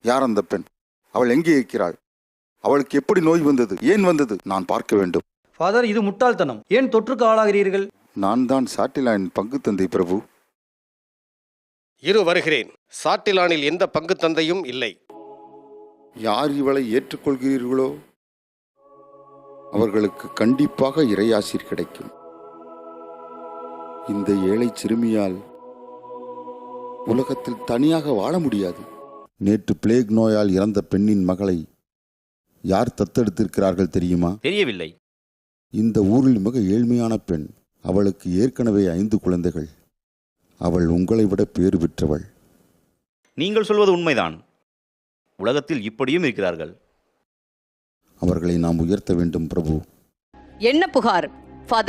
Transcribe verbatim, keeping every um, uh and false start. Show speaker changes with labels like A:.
A: யார் அந்த பெண்? அவள் எங்கே இருக்கிறாள்? அவளுக்கு எப்படி நோய் வந்தது? ஏன் வந்தது? நான் பார்க்க வேண்டும்.
B: ஃபாதர், இது முட்டாள்தனம். ஏன் தொற்றுக்கு ஆளாகிறீர்கள்?
A: நான் தான் சாட்டிலாயின் பங்கு தந்தை பிரபு.
C: இரு வருகிறேன். சாட்டிலானில் எந்த பங்கு தந்தையும் இல்லை.
A: யார் இவளை ஏற்றுக்கொள்கிறீர்களோ அவர்களுக்கு கண்டிப்பாக இறையாசிர் கிடைக்கும். இந்த ஏழை சிறுமியால் உலகத்தில் தனியாக வாழ முடியாது. நேற்று பிளேக் நோயால் இறந்த பெண்ணின் மகளை யார் தத்தெடுத்திருக்கிறார்கள் தெரியுமா?
D: தெரியவில்லை.
A: இந்த ஊரில் மிக ஏழ்மையான பெண். அவளுக்கு ஏற்கனவே ஐந்து குழந்தைகள். அவள் உங்களை விட பேறு பெற்றவள்.
D: நீங்கள் சொல்வது உண்மைதான். உலகத்தில் இப்படியும் இருக்கிறார்கள்.
A: அவர்களை நாம் உயர்த்த வேண்டும் பிரபு.
E: என்ன புகார்?